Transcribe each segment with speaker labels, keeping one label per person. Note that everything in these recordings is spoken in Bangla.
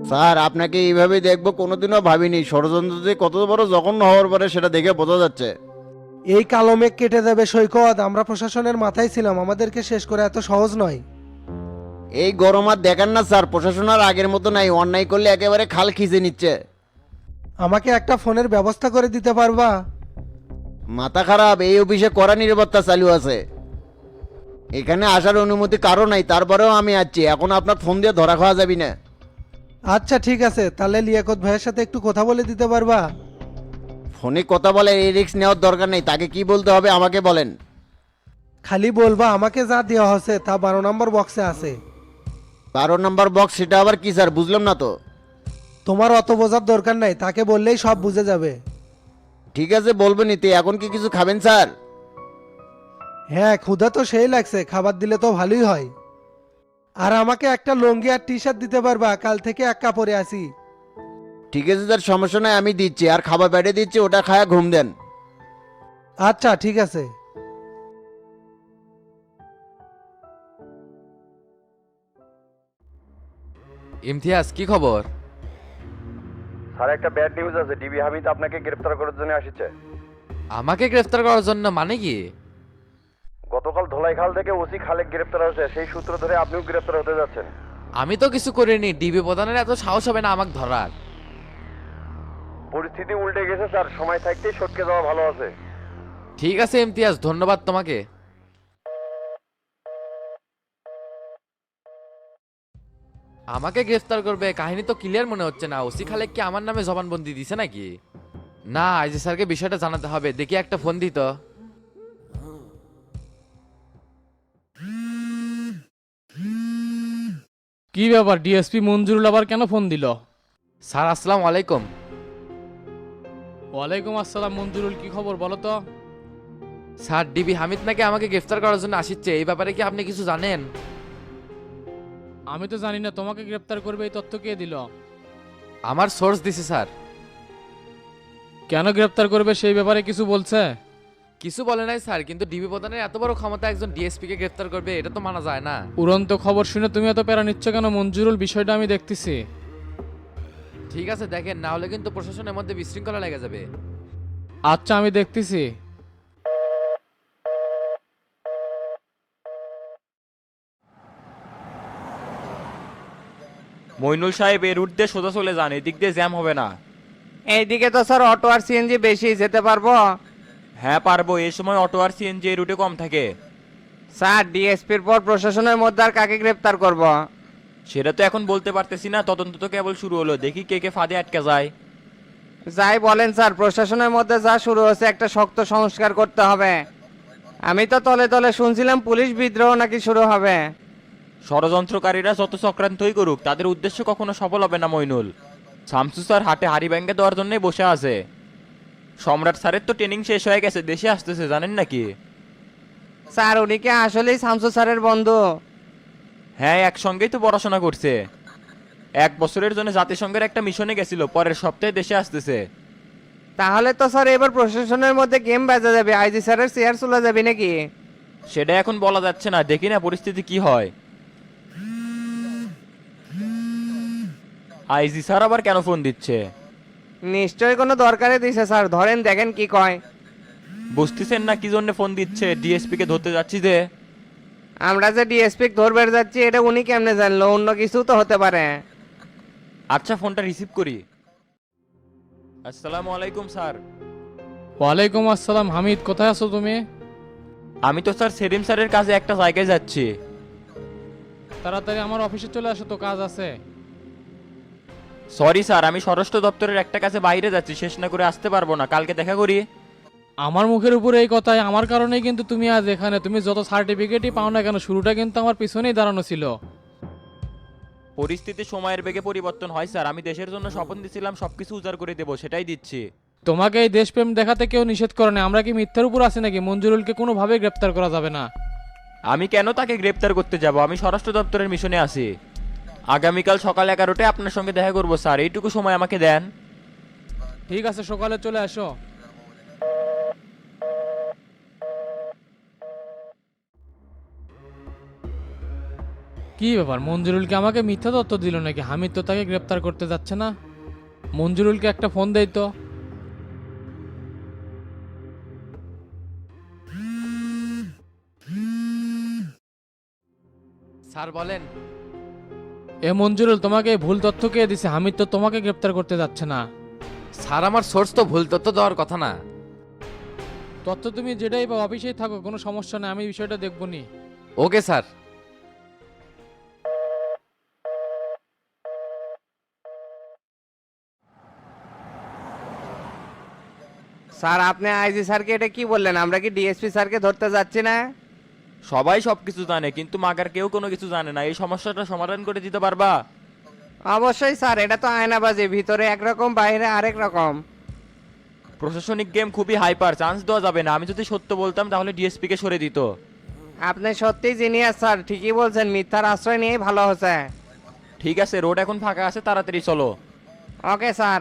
Speaker 1: স্যার আপনাকে এইভাবে দেখবো কোনোদিনও ভাবিনি, ষড়যন্ত্র যে কত বড় জঘন্য হওয়ার পরে সেটা দেখে বোঝা যাচ্ছে।
Speaker 2: এই কালো মেঘ কেটে যাবে সৈকত, আমরা প্রশাসনের মাথায় ছিলাম, আমাদেরকে শেষ করে এত সহজ নয়।
Speaker 1: এই গরম আর দেখান না স্যার, প্রশাসন আর আগের মতো নাই, অন্যায় করলে একেবারে খাল খিচে নিচ্ছে।
Speaker 2: আমাকে একটা ফোনের ব্যবস্থা করে দিতে পারবা?
Speaker 1: মাথা খারাপ, এই অফিসে কড়া নিরাপত্তা চালু আছে, এখানে আসার অনুমতি কারো নাই, তারপরেও আমি আসছি। এখন আপনার ফোন দিয়ে ধরা খাওয়া যাবি না।
Speaker 2: আচ্ছা ঠিক আছে, তাহলে লিয়াকত ভাইয়ের সাথে একটু কথা বলে দিতে পারবা?
Speaker 1: ফোনে কথা বলে এই রিস্ক নেওয়ার দরকার নেই, তাকে কি বলতে হবে আমাকে বলেন।
Speaker 2: খালি বলবা আমাকে যা দেওয়া হচ্ছে তা 12 নম্বর বক্সে আছে।
Speaker 1: 12 নম্বর বক্স, সেটা আবার কি স্যার, বুঝলাম না তো।
Speaker 2: তোমার অত বোঝার দরকার নাই, তাকে বললেই সব বুঝে যাবে।
Speaker 1: ঠিক আছে বলবেন, নিতে এখন কি কিছু খাবেন স্যার?
Speaker 2: হ্যাঁ, ক্ষুধা তো সেই লাগছে, খাবার দিলে তো ভালোই হয়। আর আমাকে একটা লুঙ্গি আর টি শার্ট দিতে পারবা? কাল থেকে এক কাপড়ে আসি।
Speaker 1: ঠিক আছে স্যার, সমস্যা নাই, আমি দিচ্ছি। আর খাবার বেড়ে দিচ্ছি, ওটা খায়া ঘুম দেন।
Speaker 2: আচ্ছা ঠিক আছে।
Speaker 3: ইমতিয়াজ, কি খবর?
Speaker 4: স্যার একটা ব্যাড নিউজ আছে, ডিবি হামিদ আপনাকে গ্রেফতার করার জন্য আসছে।
Speaker 3: আমাকে গ্রেফতার করার জন্য মানে কি?
Speaker 4: গতকাল ধোলাইখাল থেকে ওসি খালেক গ্রেফতার হয়েছে, সেই সূত্র ধরে আপনিও গ্রেফতার হতে যাচ্ছেন।
Speaker 3: আমি তো কিছু করিনি, ডিবি প্রধানের এত সাহস হবে না আমাকে ধরার।
Speaker 4: পরিস্থিতি উল্টে গেছে স্যার, সময় থাকতেই সটকে যাওয়া ভালো আছে।
Speaker 3: ঠিক আছে ইমতিয়াজ, ধন্যবাদ তোমাকে। আমাকে গ্রেফতার করবে, কাহিনী তো ক্লিয়ার মনে হচ্ছে না। ওসি খালেক কি আমার নামে জবানবন্দি দিছে নাকি? না, আইজি স্যারকে বিষয়টা জানাতে হবে, দেখি একটা ফোন দিত।
Speaker 5: কি ব্যাপার, ডিএসপি মঞ্জুরুল আবার কেন ফোন দিল?
Speaker 3: স্যার আসসালামু আলাইকুম।
Speaker 5: ওয়ালাইকুম আসসালাম মঞ্জুরুল, কি খবর বলো তো?
Speaker 3: স্যার, ডিবি হামিদ নাকি আমাকে গ্রেফতার করার জন্য আসছে, এই ব্যাপারে কি আপনি কিছু জানেন?
Speaker 5: আমি তো জানি না, তোমাকে গ্রেপ্তার করবে এই তথ্য কে দিল?
Speaker 3: আমার সোর্স দিছে স্যার।
Speaker 5: কেন গ্রেপ্তার করবে সেই ব্যাপারে কিছু বলছে?
Speaker 3: কিছু বলে নাই স্যার, কিন্তু ডিবি প্রধানের এত বড় ক্ষমতা একজন ডিএসপি কে গ্রেফতার করবে, এটা তো মানা যায় না।
Speaker 5: উড়ন্ত খবর শুনে তুমি এত প্যারা নিচ্ছ কেন মঞ্জুরুল? বিষয়টা আমি দেখতেছি।
Speaker 3: ঠিক আছে দেখেন, না হলে কিন্তু প্রশাসনের মধ্যে বিশৃঙ্খলা লেগে যাবে।
Speaker 5: আচ্ছা আমি দেখতেছি।
Speaker 6: মইনুল সাহেব, এর রুট দিয়ে সোজা চলে যান, এদিক দিয়ে জ্যাম হবে না।
Speaker 7: এইদিকে তো স্যার অটো আর সিএনজি বেশি, যেতে পারবো?
Speaker 6: হ্যাঁ পারবো, এই সময় অটো আর সিএনজি এই রুটে কম থাকে।
Speaker 7: স্যার ডিএসপির পর প্রশাসনের মধ্যে আর কাকে গ্রেপ্তার করব?
Speaker 6: সেটা তো এখন বলতে পারতেছি না, তদন্ত তো কেবল শুরু হলো, দেখি কে কে ফাঁদে আটকে যায়।
Speaker 7: যাই বলেন স্যার, প্রশাসনের মধ্যে যা শুরু হয়েছে একটা শক্ত সংস্কার করতে হবে। আমি তো তলে তলে শুনছিলাম পুলিশ বিদ্রোহ নাকি শুরু হবে।
Speaker 6: ষড়যন্ত্রকারীরা যত চক্রান্তই করুক, তাদের উদ্দেশ্য কখনো সফল হবে না মইনুল। শামসু স্যার হাটে হাড়ি ব্যাঙ্গে দেওয়ার জন্যই বসে আছে। সম্রাট স্যারের তো ট্রেনিং শেষ হয়ে গেছে, দেশে আসতেছে, জানেন নাকি?
Speaker 7: স্যার উনি কি আসলেই শামসু স্যারের বন্ধু?
Speaker 6: হ্যাঁ, একসঙ্গেই তো পড়াশোনা করছে। 1 বছরের জন্য জাতিসংঘের একটা মিশনে গেছিল, পরের সপ্তাহে দেশে আসতেছে।
Speaker 7: তাহলে তো স্যার এবার প্রশাসনের মধ্যে গেম বাজা যাবে, আইজি স্যারের চেয়ার চলে যাবে নাকি?
Speaker 6: সেটা এখন বলা যাচ্ছে না, দেখি না পরিস্থিতি কি হয়। আইজি স্যার আবার কেন ফোন দিচ্ছে?
Speaker 7: নিশ্চয়ই কোনো দরকারে দিছে স্যার, ধরেন দেখেন কি কয়।
Speaker 6: বুঝতেছেন না কি জন্য ফোন দিচ্ছে? ডিএসপি কে ধরতে যাচ্ছি যে।
Speaker 7: আমরা যে ডিএসপি ধরবে যাচ্ছি এটা উনি কেমনে জানলো? অন্য কিছু তো হতে পারে।
Speaker 6: আচ্ছা, ফোনটা রিসিভ করি। আসসালামু আলাইকুম স্যার।
Speaker 5: ওয়ালাইকুম আসসালাম। হামিদ, কোথায় আছো তুমি?
Speaker 6: আমি তো স্যার সেলিম স্যারের কাছে একটা জায়গায় যাচ্ছি।
Speaker 5: তাড়াতাড়ি আমার অফিসে চলে আসো, তো কাজ আছে।
Speaker 6: সরি স্যার, আমি স্বরাষ্ট্র দপ্তরের একটা কাছে বাইরে যাচ্ছি, শেষ না করে আসতে পারবো না, কালকে দেখা করি।
Speaker 5: আমার মুখের উপরে এই কথাই, আমার কারণেই কিন্তু তুমি আজ এখানে। তুমি যত সার্টিফিকেটই পাও না কেন, শুরুটা কিন্তু আমার পিছনেই দাঁড়ানো ছিল।
Speaker 6: পরিস্থিতি সময়ের বেগে পরিবর্তন হয় স্যার, আমি দেশের জন্য স্বপ্ন দিছিলাম সবকিছু উজাড় করে দেবো, সেটাই দিচ্ছি।
Speaker 5: তোমাকে এই দেশপ্রেম দেখাতে কেউ নিষেধ করে না। আমরা কি মিথ্যার উপর আছি নাকি? মঞ্জুরুলকে কোনোভাবে গ্রেপ্তার করা যাবে না।
Speaker 6: আমি কেন তাকে গ্রেপ্তার করতে যাব? আমি স্বরাষ্ট্র দপ্তরের মিশনে আছি। আগামীকাল সকাল 11টায় আপনার সঙ্গে দেখা করবো স্যার, এইটুকু সময় আমাকে দেন।
Speaker 5: ঠিক আছে, সকালে চলে আসো। কি ব্যাপার, মঞ্জুরুলকে আমাকে মিথ্যা তথ্য দিল নাকি? হামিদ তো তাকে গ্রেপ্তার করতে যাচ্ছে না। মঞ্জুরুলকে একটা ফোন দেই তো।
Speaker 3: স্যার বলেন।
Speaker 5: এ মঞ্জুরুল, তোমাকে এই ভুল তথ্য কে দিছে? হামিদ তো তোমাকে গ্রেপ্তার করতে যাচ্ছে না।
Speaker 3: স্যার আমার সোর্স তো ভুল তথ্য দেওয়ার কথা না।
Speaker 5: তথ্য তুমি যেটাই বা অফিসেই থাকো, কোনো সমস্যা নেই, আমি বিষয়টা দেখবো নি।
Speaker 3: Okay sir.
Speaker 7: স্যার আপনি আইজি স্যারকে এটা কি বললেন? আমরা কি ডিএসপি স্যারকে ধরতে যাচ্ছি না?
Speaker 6: সবাই সবকিছু জানে কিন্তু মাগার কেউ কোনো কিছু জানে না। এই সমস্যাটা সমাধান করে দিতে পারবা?
Speaker 7: অবশ্যই স্যার, এটা তো আয়নাবাজি, ভিতরে একরকম বাইরে আরেক রকম।
Speaker 6: প্রশাসনিক গেম খুবই হাইপার, চান্স দেওয়া যাবে না। আমি যদি সত্য বলতাম তাহলে ডিএসপি কে সরে দিত।
Speaker 7: আপনি সত্যিই জিনিয়াস স্যার, ঠিকই বলছেন, মিথ্যার আশ্রয় নিয়েই ভালো হচ্ছে।
Speaker 6: ঠিক আছে, রোড এখন ফাঁকা আছে, তাড়াতাড়ি চলো।
Speaker 7: Okay sir.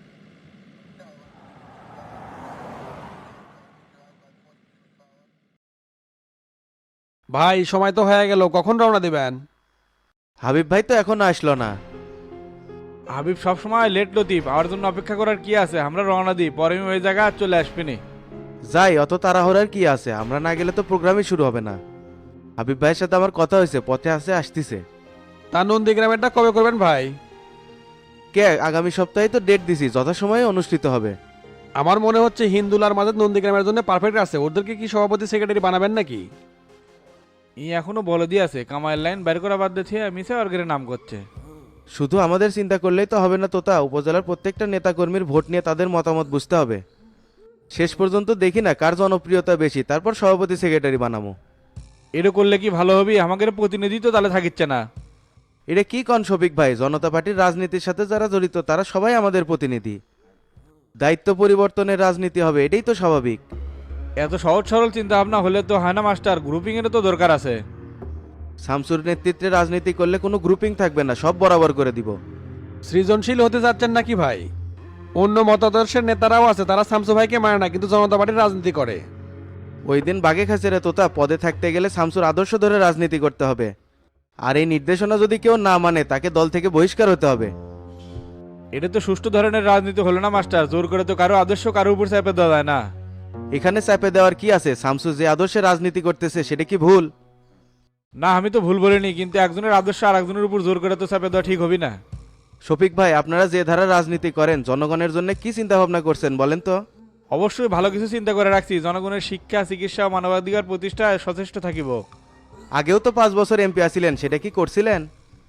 Speaker 2: ভাই সময় তো হয়ে গেল, কখন রওনা দিবেন?
Speaker 1: হাবিব ভাই তো এখনো আসলো না।
Speaker 8: হাবিব সবসময় লেট লতিফ, আমার জন্য অপেক্ষা করার কি আছে? আমরা রওনা দিই, পরে আমি ওই জায়গা চলে আসবিনি।
Speaker 1: যাই, অত তাড়াহুড়ার কি আছে? আমরা না গেলে তো প্রোগ্রামই শুরু হবে না। হাবিব ভাইয়ের সাথে আমার কথা হয়েছে, পথে আছে, আসতিছে।
Speaker 2: তা নন্দীগ্রামেরটা কবে করবেন ভাই?
Speaker 1: কে, আগামী সপ্তাহে তো ডেট দিছি, যথাসময়ে অনুষ্ঠিত হবে।
Speaker 2: আমার মনে হচ্ছে হিন্দুলার মাঝে নন্দীগ্রামের জন্য পারফেক্ট আছে। ওদেরকে কি সভাপতি সেক্রেটারি বানাবেন নাকি?
Speaker 8: ই এখনো বলে দিয়ে আছে, কামাইয়ের লাইন বের করা বাদ দিয়েছে, মিসে অর্গের নাম করছে।
Speaker 1: শুধু আমাদের চিন্তা করলেই তো হবে না তোতা, উপজেলার প্রত্যেকটা নেতাকর্মীর ভোট নিয়ে তাদের মতামত বুঝতে হবে। শেষ পর্যন্ত দেখি না কার জনপ্রিয়তা বেশি, তারপর সভাপতি সেক্রেটারি বানাবো।
Speaker 8: এটা করলে কি ভালো হবে? আমাদের প্রতিনিধি তো তাহলে থাকিচ্ছে না।
Speaker 1: এটা কি কন শফিক ভাই? জনতা পার্টির রাজনীতির সাথে যারা জড়িত তারা সবাই আমাদের প্রতিনিধি। দায়িত্ব পরিবর্তনের রাজনীতি হবে, এটাই তো স্বাভাবিক।
Speaker 8: এত সহজ সরল চিন্তা ভাবনা হলে তো হয় না মাস্টার, গ্রুপিং এর তো দরকার আছে।
Speaker 1: শামসুর নেতৃত্বে রাজনীতি করলে কোনো গ্রুপিং থাকবে না, সব বরাবর করে দিব।
Speaker 2: সৃজনশীল হতে যাচ্ছেন নাকি ভাই? অন্য মতাদর্শের নেতারাও আছে, তারা শামসু ভাইকে মানে না, কিন্তু জনতা পার্টির রাজনীতি করে।
Speaker 1: ওই দিন বাগে খাচ্ছে রে তোতা, পদে থাকতে গেলে শামসুর আদর্শ ধরে রাজনীতি করতে হবে। আর এই নির্দেশনা যদি কেউ না মানে তাকে দল থেকে বহিষ্কার হতে হবে।
Speaker 8: এটা তো সুষ্ঠু ধরনের রাজনীতি হলো না মাস্টার, জোর করে তো কারো আদর্শ কারো উপর চাপে দেওয়া যায় না।
Speaker 1: এখানে চাপে দেওয়ার কি আছে? শামসু যে আদর্শে রাজনীতি করতেছে সেটা কি ভুল?
Speaker 8: না আমি তো ভুল বলিনি, কিন্তু একজনের আদর্শ আর একজনের উপর জোর করে তো চাপে দেওয়া ঠিক হবে না।
Speaker 1: শফিক ভাই, আপনারা যে ধারা রাজনীতি করেন জনগণের জন্য কি চিন্তা ভাবনা করছেন বলেন তো?
Speaker 8: অবশ্যই ভালো কিছু চিন্তা করে রাখছি, জনগণের শিক্ষা, চিকিৎসা ও মানবাধিকার প্রতিষ্ঠায় সচেষ্ট থাকিব।
Speaker 1: আগেও তো 5 বছর এমপি আছিলেন, সেটা কি করছিলেন?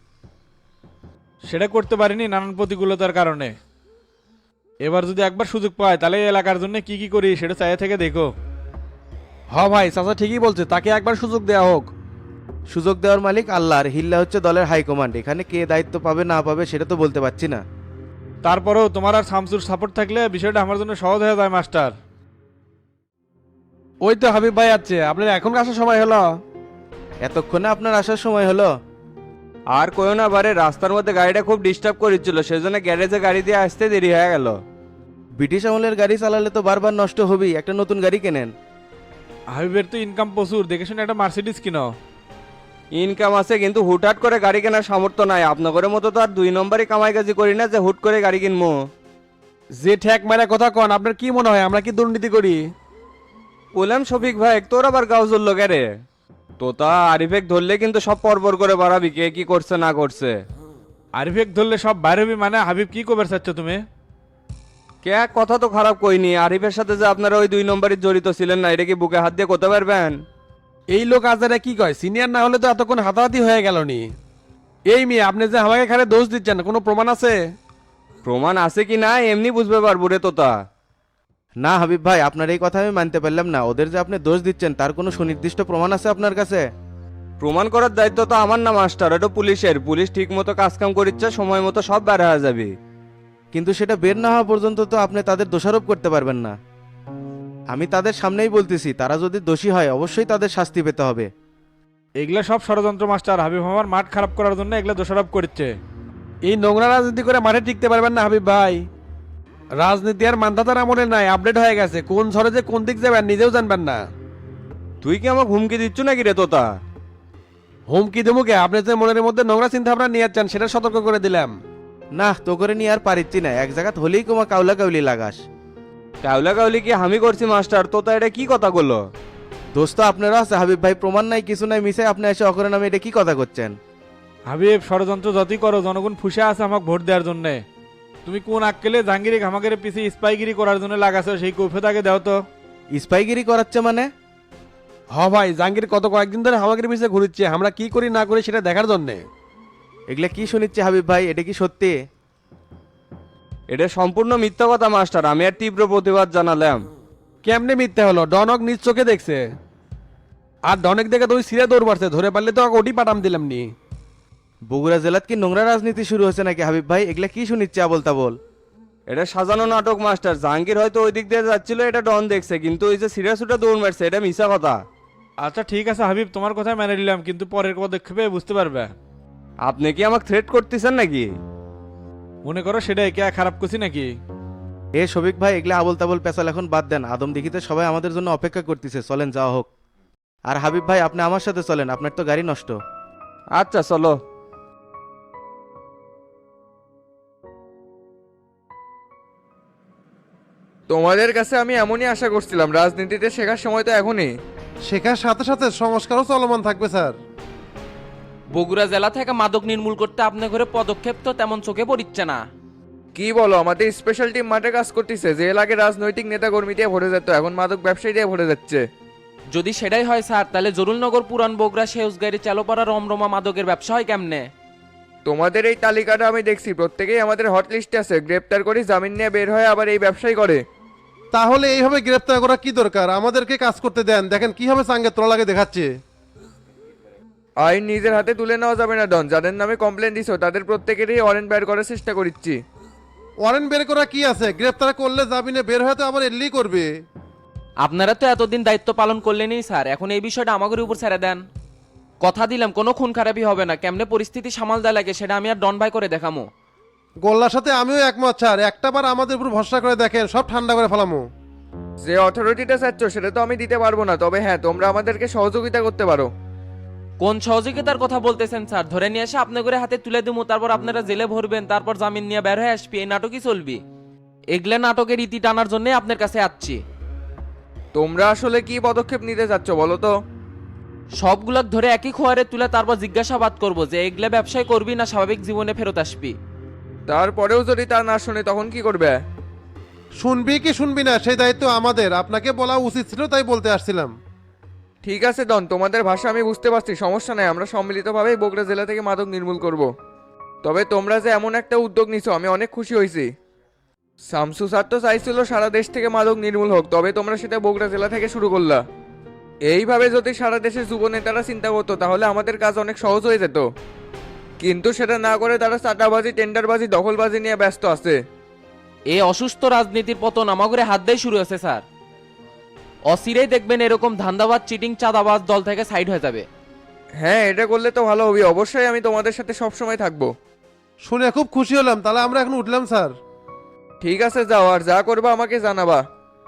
Speaker 8: সেটা করতে পারিনি নানান প্রতিকূলতার কারণে। এবার যদি একবার সুযোগ পায় তাহলে এই এলাকার জন্য কি কি করি সেটা চাইয়ে থেকে দেখো।
Speaker 2: হ ভাই, চাচা ঠিকই বলছে, তাকে একবার সুযোগ দেওয়া হোক।
Speaker 1: সুযোগ দেওয়ার মালিক আল্লাহ, আর হিল্লা হচ্ছে দলের হাইকমান্ড। এখানে কে দায়িত্ব পাবে না পাবে সেটা তো বলতে পারছি না।
Speaker 8: তারপরেও তোমার আর শামসুর সাপোর্ট থাকলে বিষয়টা আমার জন্য সহজ হয়ে যায় মাস্টার।
Speaker 2: ওই তো হাবিব ভাই আছে, আপনার এখন আসার সময় হলো।
Speaker 1: এতক্ষণে আপনার আসার সময় হলো?
Speaker 7: আর কইও না, বারে রাস্তার মধ্যে গাড়িটা খুব ডিস্টার্ব করেছিল, সেজন্য গ্যারেজে গাড়ি দিয়ে আসতে দেরি হয়ে গেল।
Speaker 1: ব্রিটিশ আমলের গাড়ি চালালে তো বারবার নষ্ট হবেই, একটা নতুন গাড়ি কেনেন।
Speaker 8: হাবিবের তো ইনকাম প্রচুর, দেখে শুনে একটা মার্সিডিজ কিনো।
Speaker 7: ইনকাম আছে কিন্তু হুটহাট করে গাড়ি কেনার সামর্থ্য নাই। আপনাদের মতো তো আর 2 নম্বরই কামাই কাজি করি না যে হুট করে গাড়ি কিনবো।
Speaker 2: যে ঠেক মারা কথা কন, আপনার কি মনে হয় আমরা কি দুর্নীতি করি?
Speaker 7: বললাম শফিক ভাই, তোর আবার গাও জ্বললো রে? তোতা আরিফেক ধরলে কিন্তু সব পরপর করে বাড়াবি কে কি করছে না করছে।
Speaker 8: আরিফেক ধরলে সব বাইরে হবি মানে? হাবিব কি কবে চাচ্ছ তুমি?
Speaker 7: কে কথা তো খারাপ কইনি, আরিফের সাথে যে আপনারা ওই 2 নম্বরই জড়িত ছিলেন না, এটা কি বুকে হাত দিয়ে করতে পারবেন?
Speaker 2: এই লোক আজারে কি কয়, সিনিয়র না হলে তো এতক্ষণ হাতাহাতি হয়ে গেল নি। এই মেয়ে, আপনি যে আমাকে খালি দোষ দিচ্ছেন, কোনো প্রমাণ আছে?
Speaker 7: প্রমাণ আছে কি না এমনি বুঝবে পারবো রে তোতা।
Speaker 1: না হাবিব ভাই, আপনার এই কথা আমি মানতে পারলাম না। ওদের যে আপনি দোষ দিচ্ছেন তার কোনো সুনির্দিষ্ট প্রমাণ আছে আপনার কাছে?
Speaker 7: প্রমাণ করার দায়িত্ব তো আমার না মাস্টার, এটা পুলিশের। পুলিশ ঠিক মতো কাজকাম করিচ্ছে, সময় মতো সব বের হয়ে যাবে।
Speaker 1: কিন্তু সেটা বের না হওয়া পর্যন্ত তো আপনি তাদের দোষারোপ করতে পারবেন না। আমি তাদের সামনেই বলতেছি, তারা যদি দোষী হয় অবশ্যই তাদের শাস্তি পেতে হবে।
Speaker 8: এগুলা সব ষড়যন্ত্র মাস্টার, হাবিব আমার মাঠ খারাপ করার জন্য এগুলা দোষারোপ করছে।
Speaker 2: এই নোংরা রাজনীতি করে মাঠে টিকতে পারবেন না হাবিব ভাই। রাজনীতি আর মান্ধাতার আমলে নাই, আপডেট হয়ে গেছে। কোন ঝড়ে যে কোন দিক যাবেন নিজেও জানবেন না।
Speaker 7: তুই কি আমাকে হুমকি দিচ্ছ নাকি রে তোতা?
Speaker 9: হুমকি দেবুকে আপনি যে মনের মধ্যে নোংরা চিন্তা ভাবনা নিয়ে যাচ্ছেন সেটা সতর্ক করে দিলাম।
Speaker 1: না তো করে নিয়ে আর পারিচ্ছি না, এক জায়গাত হলেই কোমা কাউলা কাউলি লাগাস।
Speaker 7: কাউলা কাউলি কি আমি করছি মাস্টার? তো তা এটা কি কথা বললো?
Speaker 1: দোস্ত আপনারা আছে হাবিব ভাই, প্রমাণ নাই কিছু নাই, মিশে আপনি এসে অকরেন আমি এটা কি কথা করছেন?
Speaker 8: হাবিব, ষড়যন্ত্র যতই করো জনগণ ফুসে আছে আমাকে ভোট দেওয়ার জন্য। তুমি কোন আক্কেলে জাহাঙ্গীরি ঘামাগের পিছিয়ে স্পাইগিরি করার জন্য লাগাছো সেই কৈফিয়ত আগে দাও তো।
Speaker 1: স্পাইগিরি করাচ্ছে মানে?
Speaker 9: হ ভাই, জাহাঙ্গীর কত কয়েকদিন ধরে আমাদের পিছিয়ে ঘুরছে, আমরা কি করি না করি সেটা দেখার জন্যে।
Speaker 1: এগুলা কি শুনিচ্ছে হাবিব ভাই, এটা কি সত্যি?
Speaker 7: এটা সম্পূর্ণ মিথ্যা কথা মাস্টার, আমি আর তীব্র প্রতিবাদ জানালাম।
Speaker 9: কেমনে মিথ্যে হলো? ডনক নিজ চোখে দেখছে। আর ডনেক দেখে তো ওই সিরে দৌড় মারছে, ধরে পারলে তো ওটি পাঠাম দিলাম নি।
Speaker 1: বগুড়া জেলাত কি নোংরা রাজনীতি শুরু হচ্ছে নাকি হাবিব ভাই? এগুলা কি শুনিচ্ছে আবল তাবল?
Speaker 7: এটা সাজানো নাটক মাস্টার। জাহাঙ্গীর হয়তো ওই দিক দিয়ে যাচ্ছিল, এটা ডন দেখছে, কিন্তু ওই যে সিরিয়াস ওটা দৌড় মারছে এটা মিথ্যা কথা।
Speaker 8: আচ্ছা ঠিক আছে হাবিব, তোমার কথা মেনে নিলাম, কিন্তু পরের পদক্ষেপে বুঝতে পারবে।
Speaker 7: আপনি কি আমাকে থ্রেট করতেছেন নাকি?
Speaker 8: মনে করো সেটাই কে খারাপ করছি নাকি?
Speaker 1: এ শফিক ভাই, এগুলা আবল তাবল পেছাল এখন বাদ দেন। আদম দেখিতে সবাই আমাদের জন্য অপেক্ষা করতেছে, চলেন যাওয়া হোক। আর হাবিব ভাই আপনি আমার সাথে চলেন, আপনার তো গাড়ি নষ্ট।
Speaker 7: আচ্ছা চলো।
Speaker 10: তোমাদের কাছে আমি এমনই আশা করছিলাম, রাজনীতিতে শেখার সময় তো এখনই।
Speaker 2: শেখার সাথে সাথে সংস্কারও চলমান থাকবে স্যার।
Speaker 11: বগুড়া জেলা থেকে মাদক নির্মূল করতে আপনার ঘরে পদক্ষেপ তো তেমন চোখে পড়ছে না।
Speaker 10: কি বলো, আমাদের স্পেশাল টিম মাঠে কাজ করতেছে। যে এলাকায় রাজনৈতিক নেতা কর্মী দিয়ে ভরে যেত, এখন মাদক ব্যবসায়ী দিয়ে ভরে যাচ্ছে।
Speaker 11: যদি সেটাই হয় স্যার, তাহলে জরুলনগর পুরান বগুড়া সেউজগাড়ি চালোপাড়া রমরমা মাদকের ব্যবসা হয় কেমনে?
Speaker 10: তোমাদের এই তালিকাটা আমি দেখছি, প্রত্যেকেই আমাদের হট লিস্টে আছে। গ্রেপ্তার করি, জামিন নিয়ে বের হয়, আবার এই ব্যবসায় করে।
Speaker 2: তাহলে এইভাবে গ্রেপ্তার করা কি দরকার? আমাদেরকে কাজ করতে দেন, দেখেন কিভাবে চাঙ্গে তোলা লাগে দেখাচ্ছে।
Speaker 10: আইন নিজের হাতে তুলে নেওয়া যাবে না ডন। যাদের নামে কমপ্লেন দিছো তাদের প্রত্যেকেরই ওয়ারেন্ট বের করার চেষ্টা করছি।
Speaker 2: ওয়ারেন্ট বের করা কি আছে? গ্রেপ্তার করলে জামিনে বের হয়ে তো আবার এলি করবে।
Speaker 11: আপনারা তো এতদিন দায়িত্ব পালন করলেনই স্যার, এখন এই বিষয়টা আমাদের উপর ছেড়ে দেন। কথা দিলাম কোনো খুন খারাপই হবে না, কেমনে পরিস্থিতি সামাল দেওয়া লাগে সেটা আমি আর ডন ভাই করে দেখামো।
Speaker 2: গোল্লার সাথে আমিও একমত স্যার, একটাবার আমাদের উপর ভরসা করে দেখেন, সব ঠান্ডা করে ফেলামো।
Speaker 10: যে অথরিটিটা চাচ্ছ সেটা তো আমি দিতে পারবো না, তবে হ্যাঁ তোমরা আমাদেরকে সহযোগিতা করতে পারো।
Speaker 11: কোন সহযোগিতার কথা বলতেছেন স্যার? ধরে নিয়ে এসে আপনার করে হাতে তুলে দেবো, তারপর আপনারা জেলে ভরবেন, তারপর জামিন নিয়ে বের হয়ে আসবি, এই নাটকই চলবি? এগুলো নাটকের ইতি টানার জন্য আপনার কাছে আসছি।
Speaker 10: তোমরা আসলে কি পদক্ষেপ নিতে চাচ্ছ বলো তো?
Speaker 11: সবগুলোক ধরে একই খোয়ারে তুলে তারপর জিজ্ঞাসাবাদ করবো যে এগুলা ব্যবসায় করবি না স্বাভাবিক জীবনে ফেরত আসবি।
Speaker 10: তারপরেও যদি তা না শুনে তখন কি করবে?
Speaker 2: শুনবি কি শুনবি না সেই দায়িত্ব আমাদের, আপনাকে বলা উচিত ছিল তাই বলতে আসছিলাম।
Speaker 10: ঠিক আছে ডন, তোমাদের ভাষা আমি বুঝতে পারছি, সমস্যা নাই। আমরা সম্মিলিতভাবেই বগুড়া জেলা থেকে মাদক নির্মূল করব। তবে তোমরা যে এমন একটা উদ্যোগ নিছো আমি অনেক খুশি হয়েছি। শামসু স্যার তো চাইছিল সারা দেশ থেকে মাদক নির্মূল হোক, তবে তোমরা সেটা বগুড়া জেলা থেকে শুরু করলা। এইভাবে যদি সারা দেশের যুব নেতারা চিন্তা করতো তাহলে আমাদের কাজ অনেক সহজ হয়ে যেত, কিন্তু সেটা না করে তারা চাঁদাবাজি, টেন্ডারবাজি, দখলবাজি নিয়ে ব্যস্ত আছে।
Speaker 11: এই অসুস্থ রাজনীতির পতন আমাগরে হাত দিয়ে শুরু হয়েছে স্যার। অচিরেই দেখবেন এরকম ধান্দাবাজ, চিটিং, চাঁদাবাজ দল থেকে সাইড হয়ে যাবে।
Speaker 10: হ্যাঁ, এটা করলে তো ভালো হবে। অবশ্যই আমি তোমাদের সাথে সবসময় থাকবো।
Speaker 2: শুনে খুব খুশি হলাম, তাহলে আমরা এখন উঠলাম স্যার।
Speaker 10: ঠিক আছে, যাও, আর যা করবা আমাকে জানাবা।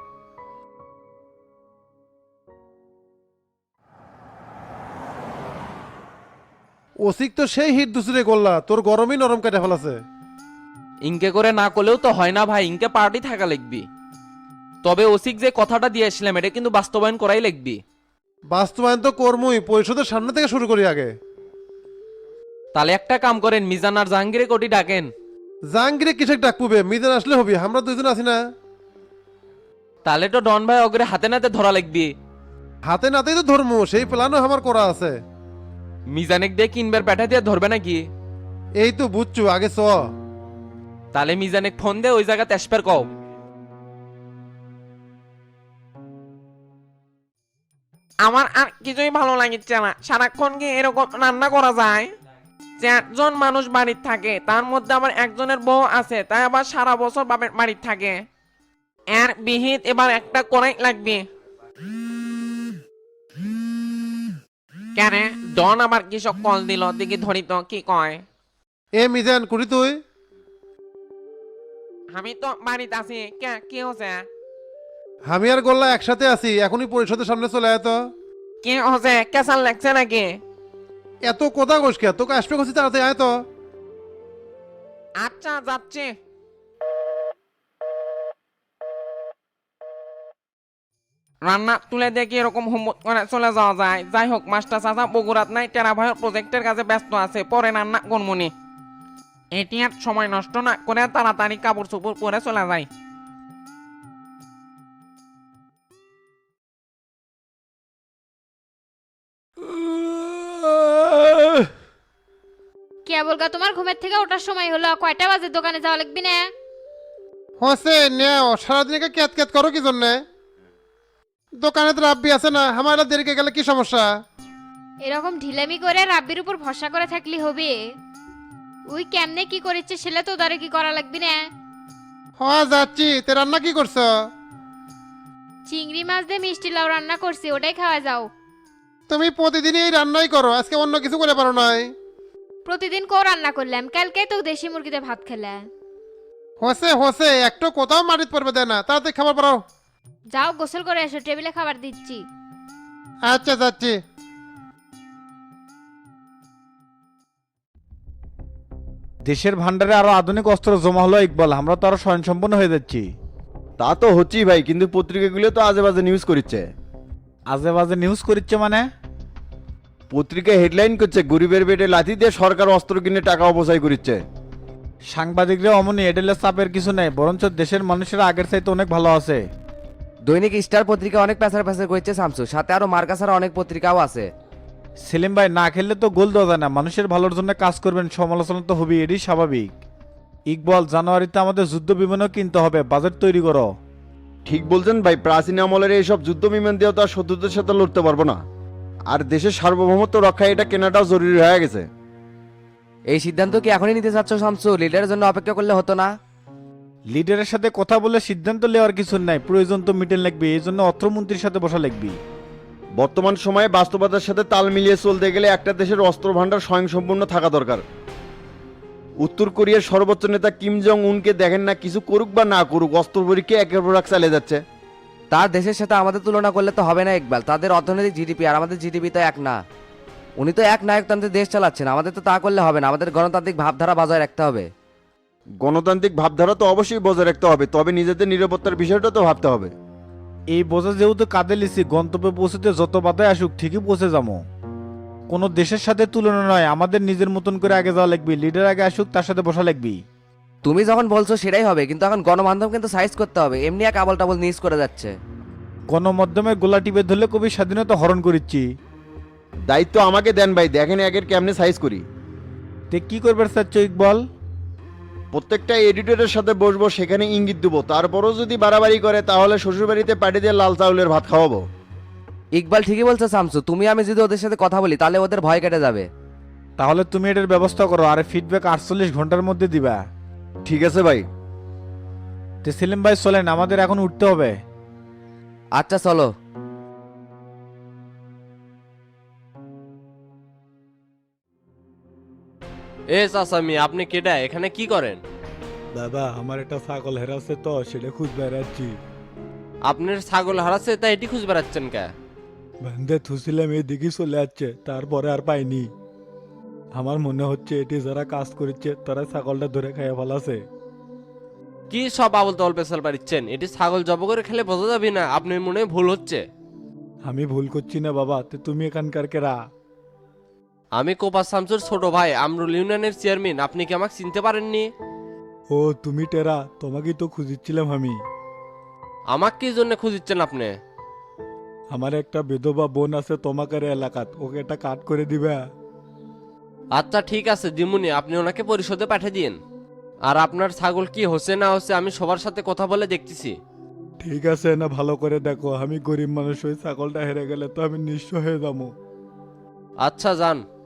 Speaker 2: ওসিক তো সেই হিট দুসরে গোল্লা, তোর গরমই নরম কেটে ফেলাছে।
Speaker 11: ইনকে করে না করলেও তো হয় না ভাই, ইনকে পার্টি থাকা লিখবি। তবে ওসিক যে কথাটা দিয়ে আসলাম এটা কিন্তু বাস্তবায়ন করাই লিখবি।
Speaker 2: বাস্তবায়ন তো কর্মই, পরিষদের সামনে থেকে শুরু করি আগে।
Speaker 11: তাহলে একটা কাম করেন, মিজান আর জাহাঙ্গীরে কোটি ডাকেন।
Speaker 2: জাহাঙ্গীরে কিসে ডাকপুবে? মিজান আসলে হবি, আমরা দুইজন আছি না।
Speaker 11: তাহলে তো ডন ভাই অগ্রে হাতে নাতে ধরা লিখবি।
Speaker 2: হাতে নাতেই তো ধর্ম, সেই প্ল্যানও আমার করা আছে।
Speaker 11: মিজানেক দিয়ে কিনবার পেঠা দিয়ে ধরবে নাকি?
Speaker 2: এই তো বুঝছো, আগে চ।
Speaker 11: তাহলে মিজানেক ফোন দে, ওই জায়গা তেসপের কও।
Speaker 7: আমার আর কিছুই ভালো লাগছে না, সারাক্ষণ কি এরকম রান্না করা যায়? 4 জন মানুষ বাড়ির থাকে, তার মধ্যে আবার একজনের বউ আছে, তাই আবার সারা বছর বাপের বাড়ির থাকে। এর বিহিত এবার একটা করাই লাগবে। কেন ডন আবার কিসব কল দিল? দেখি ধরি তো কি কয়।
Speaker 2: এ মিজান কুড়ি তুই।
Speaker 7: আমি তো বাড়িতে আছি, কি হচ্ছে?
Speaker 2: আমি আর গোল্লা একসাথে আছি, এখনই পরিষদের সামনে চলে আয় তো।
Speaker 7: কি হচ্ছে? কেসাল লাগছে নাকি?
Speaker 9: এত কথা কোষ কে তোকে আসবে করছি তাড়াতাড়ি আয় তো।
Speaker 7: আচ্ছা যাচ্ছে। রান্না তুলে দেখি এরকম হোমওয়ার্ক করে চলে যাওয়া যায়। যাই হোক মাস্টার চাচা বগুড়াত নাই, টেরা ভাইয়ের প্রজেক্টের কাছে ব্যস্ত আছে, পরে রান্না করমুনি। এটি আর সময় নষ্ট না করে তাড়াতাড়ি কাপড় চোপড় পরে চলে যায়।
Speaker 12: কে বলগা তোমার ঘুমের থেকে ওঠার সময় হলো, কয়টা বাজে দোকানে যাওয়া লাগবি না?
Speaker 9: হসে নেও সারাদিন ক্যাত ক্যাত করো কি জন্যে? দোকানে তো রাব্বি আছে না, আমার দেরিকে গেলে কি সমস্যা?
Speaker 12: এরকম ঢিলামি করে রাব্বির উপর ভরসা করে থাকলি হবে? ওই কেমনে কি করেছে সেলে তো দাঁড়ে কি করা লাগবি না?
Speaker 9: হ্যাঁ যাচ্ছি, তে রান্না কি করছো?
Speaker 12: চিংড়ি মাছ দিয়ে মিষ্টি লাউ রান্না করছি, ওটাই খাওয়া যাও।
Speaker 9: তুমি প্রতিদিনই এই রান্নাই করো, আজকে অন্য কিছু করে পারো নাই?
Speaker 12: প্রতিদিন কেউ রান্না করলাম, কালকে তো দেশি মুরগিতে ভাত খেলে।
Speaker 9: হসে হসে একটু কোথাও মাটিত পড়বে দেয় না, তাড়াতাড়ি খাবার পারো।
Speaker 12: যাও গোসল করে এসো, টেবিলে খাবার দিচ্ছি।
Speaker 9: আচ্ছা যাচ্ছি।
Speaker 8: দেশের ভান্ডারে আরো আধুনিক অস্ত্র জমা হলো ইকবাল, আমরা তো আরো স্বয়ংসম্পন্ন হয়ে যাচ্ছি।
Speaker 4: তা তো হচ্ছেই ভাই, কিন্তু পত্রিকাগুলো তো আজে বাজে নিউজ করছে।
Speaker 8: আজে বাজে নিউজ করিচ্ছে মানে?
Speaker 4: পত্রিকা হেডলাইন করছে গরিবের পেটে লাথি দিয়ে সরকার অস্ত্র কিনে টাকা অপচয় করছে।
Speaker 8: সাংবাদিকরা অমনি এডেলের চাপের কিছু নেই, বরঞ্চ দেশের মানুষেরা আগের চাইতে অনেক ভালো আছে।
Speaker 11: দৈনিক স্টার পত্রিকা অনেক পেছার পেছার করছে শামসু, সাথে আরো মার্কাসার অনেক পত্রিকাও আছে।
Speaker 8: সেলিম ভাই, না খেললে তো গোল দেওয়া যায় না, মানুষের ভালোর জন্য কাজ করবেন, সমালোচনা তো হবেই, এটাই স্বাভাবিক। ইকবাল, জানুয়ারিতে আমাদের যুদ্ধ বিমানও কিনতে হবে, বাজেট তৈরি করো।
Speaker 4: ঠিক বলছেন ভাই, প্রাচীন আমলের এইসব যুদ্ধ বিমান দিয়েও তো আর শত্রুদের সাথে লড়তে পারবো না। আর দেশের সার্বভৌমত্ব রক্ষায় এটা কেনাটাও জরুরি হয়ে গেছে।
Speaker 11: এই সিদ্ধান্ত কি এখনই নিতে চাচ্ছ শামসু? লিডারের জন্য অপেক্ষা করলে হতো না?
Speaker 8: লিডারের সাথে কথা বলে সিদ্ধান্ত নেওয়ার কিছু নাই, প্রয়োজন তো মিটেন লাগবে, এই জন্য অর্থমন্ত্রীর সাথে বসা লাগবে।
Speaker 4: বর্তমান সময়ে বাস্তবতার সাথে তাল মিলিয়ে চলতে গেলে একটা দেশের অস্ত্র ভান্ডার স্বয়ংসম্পূর্ণ থাকা দরকার। উত্তর কোরিয়ার সর্বোচ্চ নেতা কিম জং উনকে দেখেন না, কিছু করুক বা না করুক অস্ত্র পরীক্ষা একের পর এক চালিয়ে যাচ্ছে।
Speaker 11: তার দেশের সাথে আমাদের তুলনা করলে তো হবে না ইকবাল, তাদের অর্থনৈতিক জিডিপি আর আমাদের জিডিপি তো এক না। উনি তো এক নায়কতন্ত্রের দেশ চালাচ্ছেন, আমাদের তো তা করলে হবে না, আমাদের গণতান্ত্রিক ভাবধারা বজায় রাখতে হবে।
Speaker 4: গণতান্ত্রিক ভাবধারা তো অবশ্যই বজায় রাখতে হবে, তবে নিজেদের নিরাপত্তার বিষয়টা তো ভাবতে হবে।
Speaker 8: এই বোঝা যেহেতু কাঁধে লিছি, গন্তব্যে পৌঁছতে যত বাধায় আসুক ঠিকই পৌঁছে যাবো। কোনো দেশের সাথে তুলনা নয়, আমাদের নিজের মতন করে আগে যাওয়া লাগবে, লিডার আগে আসুক তার সাথে বসা লাগবে।
Speaker 11: তুমি যখন বলছো সেটাই হবে, কিন্তু এখন গণমাধ্যম কিন্তু সাইজ করতে হবে, এমনি এক আবল টাবল নিউজ করে যাচ্ছে।
Speaker 8: গণমাধ্যমের গোলা টিপে ধরলে কবি স্বাধীনতা হরণ করিচ্ছি।
Speaker 4: দায়িত্ব আমাকে দেন ভাই, দেখেন একের কেমনে সাইজ করি।
Speaker 8: তে কি করবে চাচ্ছ ইকবাল?
Speaker 4: প্রত্যেকটা এডিটরের সাথে বসবো, সেখানে ইঙ্গিত দেবো, তারপরও যদি বাড়াবাড়ি করে তাহলে শ্বশুরবাড়িতে পাঠিয়ে দিয়ে লাল চাউলের ভাত খাওয়াবো।
Speaker 11: ইকবাল ঠিকই বলছো শামসু, তুমি আমি যদি ওদের সাথে কথা বলি তাহলে ওদের ভয় কেটে যাবে।
Speaker 8: তাহলে তুমি এটার ব্যবস্থা করো, আর ফিডব্যাক 48 ঘন্টার মধ্যে দিবা।
Speaker 4: ঠিক আছে ভাই।
Speaker 8: তে সেলিম ভাই চলেন, আমাদের এখন উঠতে হবে।
Speaker 11: আচ্ছা চলো।
Speaker 13: এ চাচামি, আপনি কেডা, এখানে কি করেন?
Speaker 8: দাদা, আমার একটা ছাগল হেরাচ্ছে তো, সেটা খুঁজ বেড়াচ্ছি।
Speaker 13: আপনার ছাগল হারাচ্ছে তাই এটি খুঁজ বেড়াচ্ছেন কে?
Speaker 8: বান্ধে থুছিলাম, এই দিকে চলে যাচ্ছে, তারপরে আর পাইনি। আমার মনে হচ্ছে এটি যারা কাজ করেছে তারা ছাগলটা ধরে খাইয়া ফেলাছে।
Speaker 13: কি সব আবল তল পেশাল পারিচ্ছেন? এটি ছাগল জব করে খেলে বোঝা যাবে না, আপনার মনে হয় ভুল হচ্ছে।
Speaker 8: আমি ভুল করছি না বাবা, তো তুমি এখানকার কেরা?
Speaker 13: আমি কোপা শামসুর ছোট ভাই, আমরুল ইউনিয়নের চেয়ারম্যান। আপনি কি আমাকে চিনতে পারেননি?
Speaker 8: ও তুমি টেরা, তোমাকেই তো খুঁজিচ্ছিলাম আমি।
Speaker 13: আমাকে কি জন্য খুঁজিচ্ছেন আপনি?
Speaker 8: আমার একটা বিধবা বোন আছে তোমাদের এলাকাত, ওকে একটা কাট করে দিবা?
Speaker 13: আচ্ছা ঠিক আছে দিমুনি, আপনি ওনাকে পরিশোধে পাঠিয়ে দিন। আর আপনার ছাগল কি হচ্ছে না হচ্ছে আমি সবার সাথে কথা বলে দেখতেছি।
Speaker 8: ঠিক আছে না, ভালো করে দেখো, আমি গরিব মানুষ, ওই ছাগলটা হেরে গেলে তো আমি নিঃস্ব হয়ে যাবো।
Speaker 13: আচ্ছা যান।